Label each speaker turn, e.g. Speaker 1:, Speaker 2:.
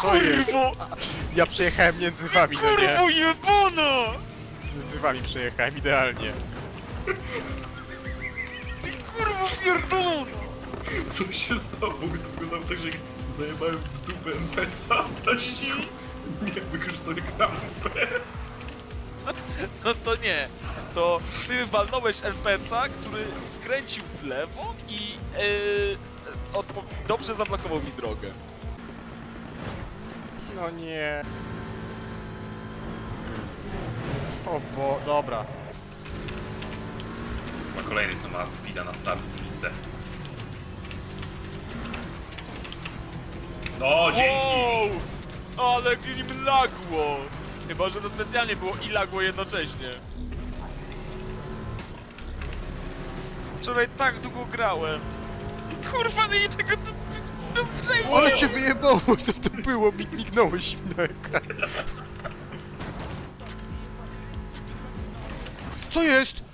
Speaker 1: Co jest?
Speaker 2: Kurwo!
Speaker 1: Ja przejechałem między wami, no nie?
Speaker 2: Kurwo jebana!
Speaker 1: Między wami przejechałem idealnie.
Speaker 2: Ty kurwo pierdolona!
Speaker 3: Co się stało? To wyglądało tak, że zajebałem w dupę NPC-a, a sił nie wykorzystuję kampę.
Speaker 2: No to nie. To ty walnąłeś NPC-a, który skręcił w lewo i dobrze zablokował mi drogę.
Speaker 1: No nie. O bo, dobra.
Speaker 3: Ma kolejny, co ma speeda na start. Pizdę. No, dzięki!
Speaker 2: Wow! Ale nim lagło! Chyba, że to specjalnie było i lagło jednocześnie. Wczoraj tak długo grałem. I kurwa, nie tego przejdzie!
Speaker 1: Ale cię wyjebało, co to było? Mignąłeś mi na ekran. Co jest?